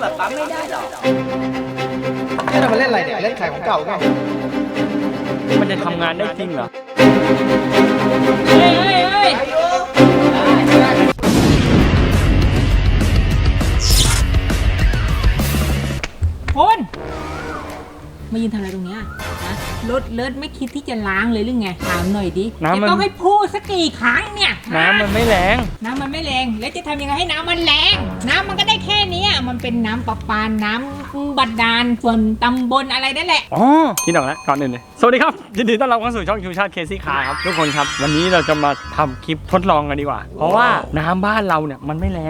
แบบปั๊มไม่ได้หรอเนี่ยเรามาเล่นอะไรเนี่ยเล่นขายของเก่าไงมันจะทำงานได้จริงเหรอเฮ้ยคุณมายืนทำอะไรตรงเนี้ยนะรถเลิศไม่คิดที่จะล้างเลยหรือไงถามหน่อยดิจะต้องให้พูดสักกี่ครั้งเนี่ยน้ำมันไม่แรงน้ำมันไม่แรงแล้วจะทำยังไงให้น้ำมันแรงน้ำมันก็ได้แค่นี้มันเป็นน้ำประปาน้ำบาดาลส่วนตำบลอะไรนั่นแหละอ๋อคิดออกแล้วก่อนอื่นเลยสวัสดีครับยินดีต้อนรับเข้าสู่ช่องชูชาติเคซี่คาร์ครับทุกคนครับวันนี้เราจะมาทำคลิปทดลองกันดีกว่าเพราะว่าน้ำบ้านเราเนี่ยมันไม่แรง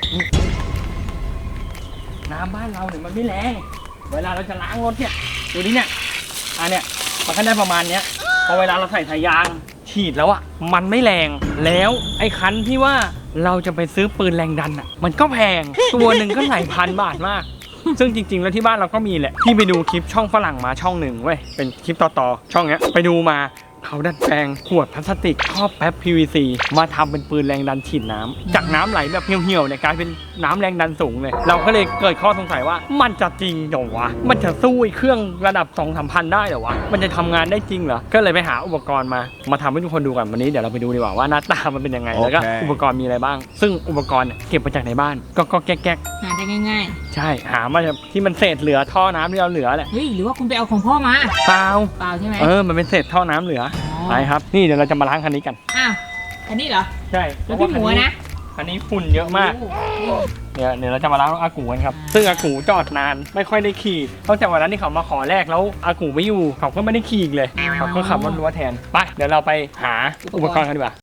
น้ำบ้านเราเนี่ยมันไม่แรงเวลาเราจะล้างรถเนี่ยดูนี่เนี่ยเนี่ยมันก็ได้ประมาณเนี้ยพอเวลาเราใส่สายยางฉีดแล้วอ่ะมันไม่แรงแล้วไอ้คันที่ว่าเราจะไปซื้อปืนแรงดันอ่ะมันก็แพงตัวหนึ่งก็หลายพันบาทมากซึ่งจริงๆแล้วที่บ้านเราก็มีแหละที่ไปดูคลิปช่องฝรั่งมาช่องหนึ่งเว้ยเป็นคลิปต่อช่องเนี้ยไปดูมาเขาดัดแปลงขวดพลาสติกครอบแป๊บ PVC มาทำเป็นปืนแรงดันฉีดน้ำจากน้ำไหลแบบเหี่ยวๆเนี่ยกลายเป็นน้ำแรงดันสูงเลยเราก็เลยเกิดข้อสงสัยว่ามันจะจริงเหรอวะมันจะสู้เครื่องระดับ 2-3 พันได้เหรอวะมันจะทำงานได้จริงเหรอก็เลยไปหาอุปกรณ์มาทำให้ทุกคนดูกันวันนี้เดี๋ยวเราไปดูดีกว่าว่าหน้าตามันเป็นยังไงแล้วก็อุปกรณ์มีอะไรบ้างซึ่งอุปกรณ์เก็บมาจากในบ้านก็แก๊กหาได้ง่ายๆใช่หามาจากที่มันเศษเหลือท่อน้ำที่เราเหลือแหละเฮ้ยหรือว่าคุณไปเอาของพ่อมาเปล่าใช่ไหมมันเป็นเศษท่อน้ำเหลือไปครับนี่เดี๋ยวเราจะมาล้างคันนี้กันอ้าวคันนี้เหรอใช่แล้วพี่หมูนะคันนี้ฝุ่นเยอะมากเดี๋ยวเราจะมาล้างอากูกันครับซึ่งอากูจอดนานไม่ค่อยได้ขี่ตั้งแต่วันนั้นที่เขามาขอแรกแล้วอากูไม่อยู่เขาก็ไม่ได้ขี่อีกเลยเขาก็ขับรถรั้วแทนไปเดี๋ยวเราไปหาอุปกรณ์กันดีกว่า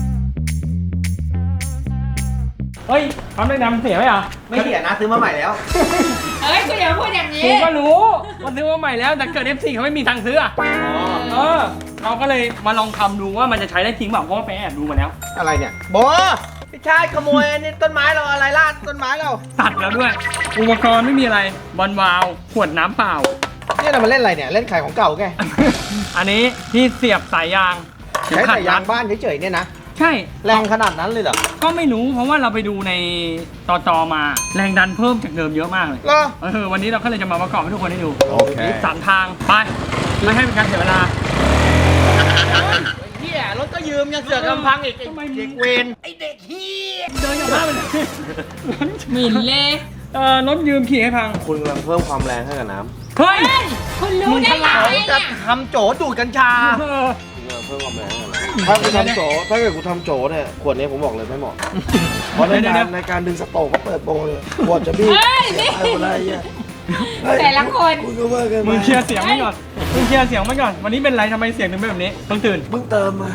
เฮ้ยทำได้น้ำเสียไหมอ่ะไม่เสียนะซื้อมาใหม่แล้วคุณอย่าพูดอย่างนี้กูก็รู้ว่าซื้อมาใหม่แล้วแต่เกิด F4 เขาไม่มีทางซื้อเราก็เลยมาลองทำดูว่ามันจะใช้ได้จริงเปล่าเพราะว่าไปแอบดูมาแล้วอะไรเนี่ยโบพี่ชายขโมยนี่ต้นไม้เราอะไรลาดต้นไม้เราตัดแล้วด้วยอุปกรณ์ไม่มีอะไรบอลวาล์วขวดน้ำเปล่าเนี่ยเรามาเล่นอะไรเนี่ยเล่นขายของเก่าแกอันนี้ที่เสียบสายยางใช้สายยางบ้านเฉยๆเนี่ยนะใช่แรงขนาดนั้นเลยเหรอก็ไม่รู้เพราะว่าเราไปดูในต่อมาแรงดันเพิ่มจากเดิมเยอะมากเลยวันนี้เราก็เลยจะมาประกอบให้ทุกคนได้ดูโอเค 3 ทางไปไม่ให้เป็นการเสียเวลาเฮียรถก็ยืมยังเสือกกำพังอีกเด็กเวนไอเด็กเฮียเดินกับบ้านไปเลยหมิ่นเลยรถยืมขี่ให้พังคุณกำลังเพิ่มความแรงให้กับน้ำเฮ้ยคุณรู้ได้ไงจะทำโจดูดกัญชาเพิ่มความแรงถ้ากูทำโจถ้าเกิดกูทำโจเนี่ยขวดนี้ผมบอกเลยไม่เหมาะเพราะในการดึงสโตกก็เปิดโบเลยขวดจะบี้อะไรเงี้ยแต่ละคนมึงเคลียร์เสียงไม่ก่อนวันนี้เป็นไรทำไมเสียงถึงเป็นแบบนี้เพิ่งตื่นเพิ่งเติมมา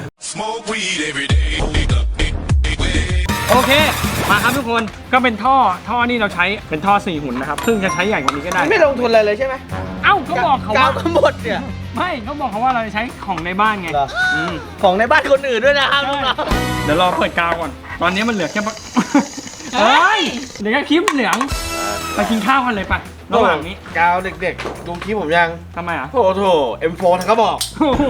โอเคมาครับทุกคนก็เป็นท่อนี่เราใช้เป็นท่อ4 หุ่นนะครับซึ่งจะใช้ใหญ่กว่านี้ก็ได้ไม่ลงทุนอะไรเลยใช่ไหมเอ้าเขาบอกเขาว่าก็หมดเนี่ยไม่เขาบอกเขาว่าเราจะใช้ของในบ้านไงของในบ้านคนอื่นด้วยนะครับเดี๋ยวรอเปิดกาวก่อนตอนนี้มันเหลือแค่เฮ้ยเดี๋ยวแค่คลิปเหลืองไปกินข้าวกันเลยไประหว่างนี้กาวเด็กๆดูคลิปผมยังทำไมอ่ะโอ้โห M4 ทั้งกระบอก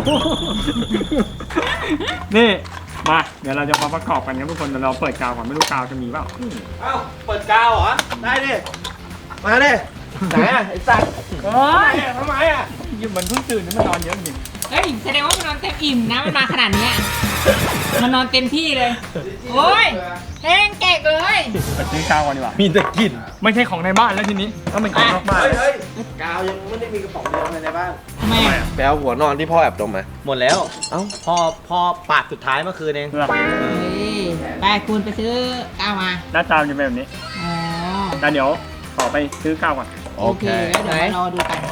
นี่มาเดี๋ยวเราจะมาประกอบกันครับทุกคนเดี๋ยวเราเปิดกาวก่อนไม่รู้กาวจะมีเปล่าเอ้าเปิดกาวเหรอได้ดิมาดิไหนไอ้สัตว์ทำไมยืมมันเพิ่งตื่นนี่มันนอนเยอะจริงแสดงว่ามันนอนเต็มอิ่มนะมันมาขนาดนี้มันนอนเต็มที่เลยโอ้ยแห้งแกกเลยไปซื้อกาวก่อนดีกว่ามีแต่กลิ่นไม่ใช่ของในบ้านแล้วทีนี้ต้องเป็นของนอกบ้านเฮ้ยกาวยังไม่ได้มีกระป๋องเดียวในบ้านทำไมไปเอาหัวนอนที่พ่อแอบดมมาหมดแล้วเอ้าพ่อปาดสุดท้ายเมื่อคืนเองไปคุณไปซื้อกาวมาหน้าตาจะเป็นแบบนี้แต่เดี๋ยวขอไปซื้อกาวก่อนโอเคแล้วเดี๋ยวรอดูกัน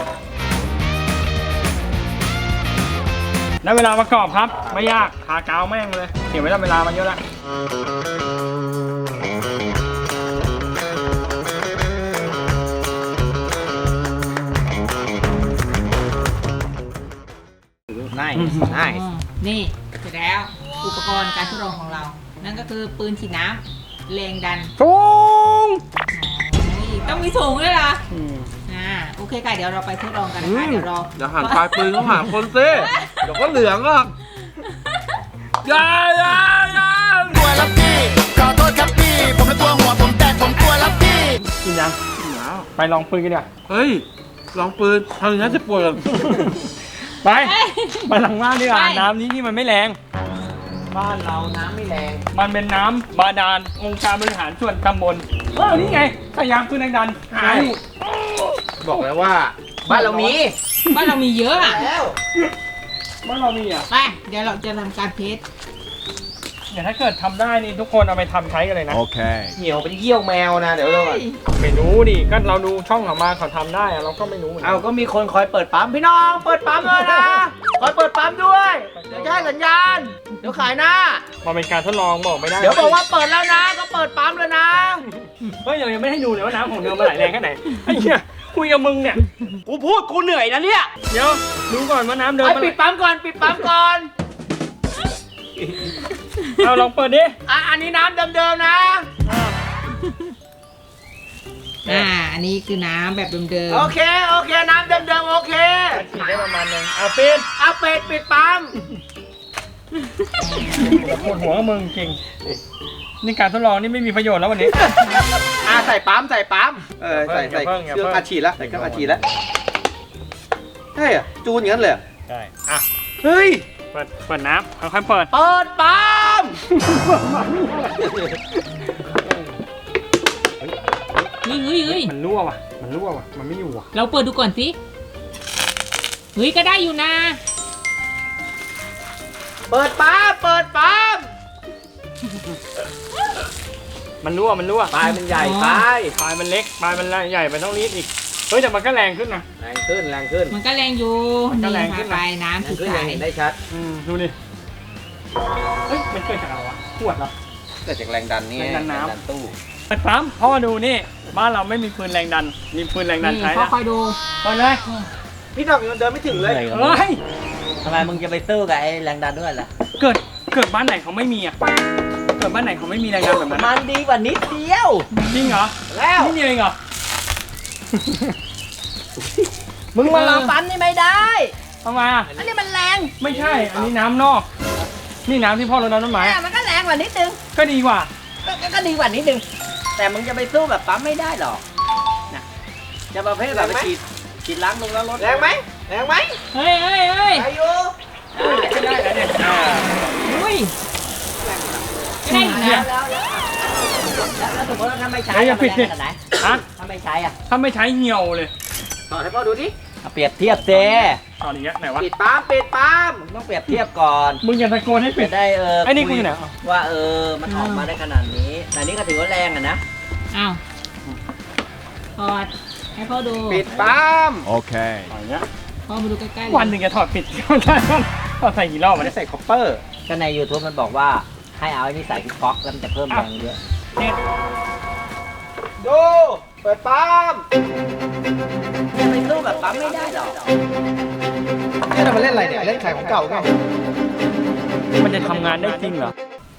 แล้วเวลาประกอบครับไม่ยากทากาวแม่งเลยเก็บไว้ทำเวลามาเยอะแล้วนี่เสร็จแล้วอุปกรณ์การทดลองของเรา นั่นก็คือปืนฉีดน้ำแรงดันสูงต้องมีสูงด้วยเหรอโอเคค่ะเดี๋ยวเราไปทดลองกันนะคะเดี๋ยวหันปลายปืนต้องหาคนซิเดี๋ยวก็เหลืองอ่ะอย่ากลัวแล้วพี่ขอโทษครับพี่ผมไม่กลัวหัวผมแตกผมกลัวแล้วพี่กินยังไปลองปืนกันเดี๋ยวเฮ้ยลองปืนทำอย่างนั้นจะปวดไปไปหลังบ้านดีกว่าน้ำนี้ที่มันไม่แรงบ้านเราน้ำไม่แรงมันเป็นน้ำบาดาลองค์การบริหารส่วนตำบลนี่ไงสยามปืนแรงดันหายบอกแล้วว่าบ้านเรามีบ้านเรามีเยอะอะแล้วบ้านเรามีอ่ะไปเดี๋ยวเราจะทำการเทสเดี๋ยวถ้าเกิดทำได้นี่ทุกคนเอาไปทำใช้กันเลยนะเหี่ยวเป็นเยี่ยวแมวนะเดี๋ยวเราก่อนไม่รู้ดิก็เราดูช่องเขามาเขาทำได้อะเราก็ไม่รู้เหมือนกัเอาก็มีคนคอยเปิดปั๊มพี่น้องเปิดปั๊มเลยนะคอยเปิดปั๊มด้วยเดี๋ยวจะให้สัญญาณเดี๋ยวขายหน้ามันเป็นการทดลองบอกไม่ได้เดี๋ยวบอกว่าเปิดแล้วนะก็เปิดปั๊มแล้วนะเฮ้ยยังไม่ให้ดูเลยว่าน้ำของเดิมมันไหลแรงแค่ไหนไอ้เหี้ยคุยกับมึงเนี่ยกูพูดกูเหนื่อยนะเนี่ยเดี๋ยวดูก่อนว่าน้ำเดิมไอ้มันปิดปั๊มก่อนปิดปั๊มก่อนเอาลองเปิดดิอันนี้น้ำเดิมๆนะอันนี้คือน้ำแบบเดิมโอเคน้ำเดิมๆโอเคฉีดได้ประมาณนึงเอาปิดเอาเป็ดปิดปั๊มปวดหัวกับมึงจริงนี่การทดลองนี่ไม่มีประโยชน์แล้ววันนี้ใส่ปั๊มใส่อย่าใส่เพิ่งอย่าเครื่องเพิ่งอัดฉีดแล้วใส่เครื่องอัดฉีดแล้วใช่อะจูนอย่างนั้นเลยเหรอใช่อ่ะเฮ้ยเปิดน้ำค่อยๆเปิดเปิดปั๊มๆเฮ้ยมันรั่วว่ะมันไม่อยู่ว่ะเราเปิดดูก่อนสิเฮ้ยก็ได้อยู่นะเปิดปั๊มเปิดปั๊มมันรั่วปลายมันใหญ่ไปปลายมันเล็กปลายมันใหญ่ไปต้องรีดอีกเฮ้ยแต่มันก็แรงขึ้นนะแรงขึ้นมันก็แรงอยู่มันก็แรงขึ้นี่นค่ะนะไปน้ำแรคืงอขึ้นใสยังเห็นได้ชัดดูดิเฮ้ยมันเกิดจากอะไรวะขวดเหรอเกิดจากแรงดันนี่แรงดันน้ำดันตู้เปิดปั๊มเพราะว่าดูนี่บ้านเราไม่มีปืนแรงดันมีปืนแรงดันนี่ใช้พ่อแล้วคอยดูเปิดเลยพี่ดอกยังเดินไม่ถึงเลยเฮ้ยทำไมมึงจะไปสู้กับไอ้แรงดันด้วยล่ะเกิดบ้านไหนเขาไม่มีอ่ะเกิดบ้านไหนเขาไม่มีแรงดันแบบนั้นมันดีกว่านิดเดียวจริงเหรอแล้วนี่เดียวเองเหรอมึงมาลองปั๊มนี่ไม่ได้ทำไมอ่ะอันนี้มันแรงไม่ใช่อันนี้น้ำนอก นี่น้ำที่พ่อรดน้ำต้นไม้แต่อะมันก็แรงกว่านิดนึงก็ดีกว่าก็ดีกว่านิดนึง แต่มึงจะไปสู้แบบปั๊มไม่ได้หรอกนะจะประเภทแบบไปฉีดล้างลงแล้วรถแรงไหมแรงไหมเฮ้ยอายุไม่ได้แล้วเนี่ยอุ้ยก็ได้อยู่นะแล้วสมมติว่าถ้าไม่ใช้เฮ้ยอย่าปิดสิมันแรงขนาดไหนฮะถ้าไม่ใช้อ่ะถ้าไม่ใช้เหี่ยวเลยต่อให้พ่อดูดิเปรียบเทียบเจตอนนี้ไหนวะปิดปั๊มปิดปั๊มต้องเปรียบเทียบก่อนมึงอย่าตะโกนให้ปิดจะได้ไอ้นี่กูอยู่ไหนว่ามันออกมาได้ขนาดนี้ แต่นี่ก็ถือว่าแรงอ่ะนะอ้าวถอดให้พ่อดูปิดปั๊มอย่างเงี้ยพ่อมาดูใกล้ๆเลยวันหนึ่งจะถอดปิดก็ได้ถอดใส่กี่รอบไม่วะได้เนี่ยใส่คอปเปอร์ก็ใน YouTube มันบอกว่าให้เอาไอ้นี่ใส่ที่ก๊อกแล้วมันจะเพิ่มแรงเยอะเน็ตดูเปิดปั๊มจะไปสู้แบบปั๊มไม่ได้หรอกนี่เรามาเล่นอะไรเนี่ย เล่นขายของเก่าไงมันจะทำงานได้จริงเหรอ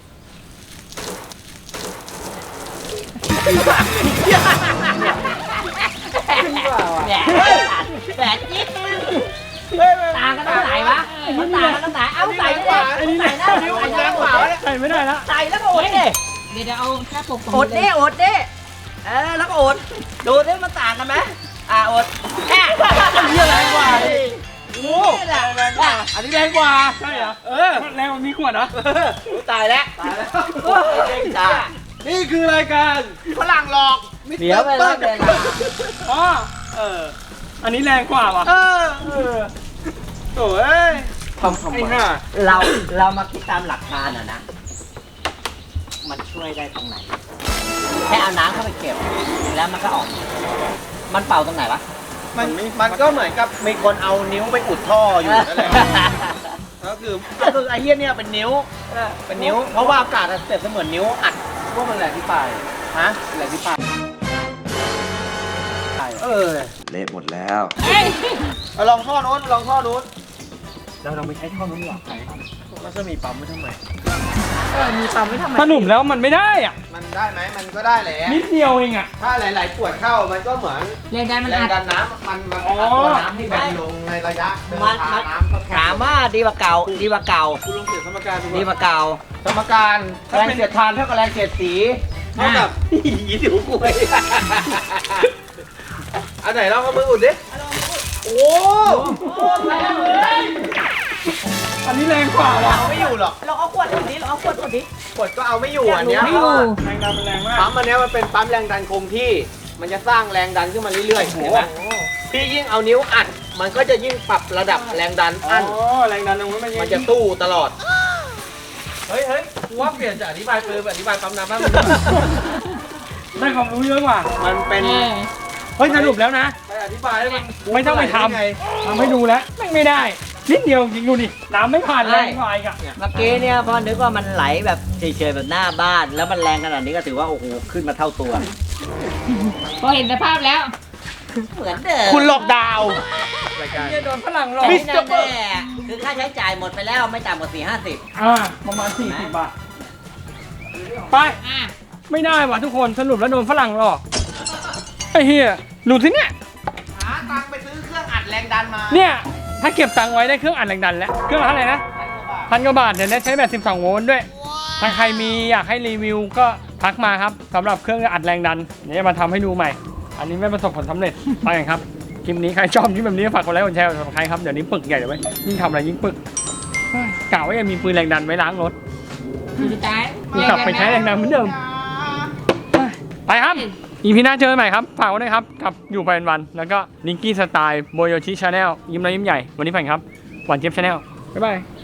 แปดจิ๊บต่างกันตรงไหนวะมันต่างกันตรงไหนเอาใส่เลยไอ้นี่ใส่หน้าไอ้ใส่นี่หน้าขวาใส่ไม่ได้แล้วใส่แล้วก็อดดิเดี๋ยวเอาแค่ปกตรงอดดินี้เลยอดดิแล้วก็อดดูดิมันต่างกันไหมอดแอะเหี้ยแรงกว่าดิโอ้แรงกว่าอันนี้แรงกว่าใช่เหรอแรงกว่ามีขวดเหรอตายแล้วจ้านี่คือรายการฝรั่งหลอกเดี๋ยวไปแล้วเดี๋ยวอ๋ออันนี้แรงกว่าว่ะโอ้ยทำไอ้ห่าเรามาคิดตามหลักการนะมันช่วยได้ตรงไหนแค่เอาน้ำเข้าไปเก็บแล้วมันก็ออกมันเป่าตรงไหนวะมันก็เหมือนกับมีคนเอานิ้วไปอุดท่ออยู่นั่นแหละก็คือไอ้เหี้ยเนี่ยเป็นนิ้ว เพราะว่าอากาศเสร็จเสมือนนิ้วอัดพวกมันแหลกที่ปลายฮะแหลกที่ปลายเละหมดแล้วเฮ้ยเอาลองท่อนู้นลองท่อนู้นเราไปใช้ท่อนู้นดีกว่ามันจะมีปั๊มไว้ทำไมมีปั๊มไว้ทำไมสรุปแล้วมันไม่ได้อ่ะมันได้ไหมมันก็ได้แหละนิดเดียวเองอ่ะถ้าหลายๆขวดเข้ามันก็เหมือนแรงดันมันแรงอัดดันน้ำมันอัดอ๋อตัวน้ำให้แบนลงในระยะเดินทางน้ำก็ถามว่าดีกว่าเก่าดีกว่าเก่าคุณลองเขียนสมการดูดีกว่าเก่าสมการแรงเสียดทานเท่ากับแรงเสียดสีเท่ากับยี่สิบกล้วยอันไหนลองเอามืออุดดิโอ้แรงเลยอันนี้แรงกว่าว่ะเอาไม่อยู่หรอกเราเอาขวดอุดดิเราเอาขวดอุดดิกดก็เอาไม่อยู่อันเนี้ยไม่อยู่แรงดันมันแรงมากปั๊มอันเนี้ยมันเป็นปั๊มแรงดันคงที่ มันจะสร้างแรงดันขึ้นมาเรื่อยๆเห็นไหมพี่ยิ่งเอานิ้วอัด มันก็จะยิ่งปรับระดับแรงดันอั้นแรงดันตรงนี้มันมันจะสู้ตลอด เฮ้ยกูว่าเปลี่ยนจากอธิบายปืนเป็นอธิบายปั๊มน้ำบ้างได้ความรู้เยอะกว่ามันเป็นเฮ้ยสรุปแล้วนะไปอธิบายให้มันไม่ต้องไปทไงำทำให้ดูแล้วไม่ได้นิดเดียวจริงดูดิน้ำไม่ผ่านแรงกว่าอีกอะเมื่อกี้เนี่ยพอนึกว่ามันไหลแบบเฉยๆแบบหน้าบ้าน แล้วมันแรงขนาดนี้ก็ถือว่าโอ้โหขึ้นมาเท่าตัวพอเห็นสภาพแล้วเหมือนเดิมคุณหลอกดาวจะโดนฝรั่งหลอกไม่แน่ๆคือค่าใช้จ่ายหมดไปแล้วไม่ต่ำกว่า4-50 ประมาณ40 บาทไปอ่ะไม่ได้ว่ะทุกคนสรุปแล้วโดนฝรั่งหลอกไอ้เฮียหลุดสิเนี่ยหาตังค์ไปซื้อเครื่องอัดแรงดันมาเนี่ยถ้าเก็บตังค์ไว้ได้เครื่องอัดแรงดันแล้วเครื่องละเท่าไหร่นะ1,000 กว่าบาทเดี๋ยวนี้ใช้แบบ12 โวลต์ด้วยถ้าใครมีอยากให้รีวิวก็ทักมาครับสำหรับเครื่องอัดแรงดันเดี๋ยวจะมาทำให้ดูใหม่ อันนี้ไม่ประสบผลสำเร็จไปกันครับคลิปนี้ใครชอบคลิปแบบนี้ฝากกดไลค์กดแชร์กด subscribe ครับเดี๋ยวนี้ปึกใหญ่เลยเว้ยยิ่งทำอะไรยิ่งปึกเฮ้ยกะว่าจะมีปืนแรงดันไว้ล้างรถสุดท้ายกลับไปใช้แรงดันเหมือนเดิมไปครับอีพีหน้าเจอกันใหม่ครับฝากไว้ด้วยครับกับอยู่ไปวันๆแล้วก็นิกกี้สไตล์โบโยชิชาแนลยิ้มน้อยยิ้มใหญ่วันนี้ไปครับหวานเจี๊ยบชาแนลบ๊ายบาย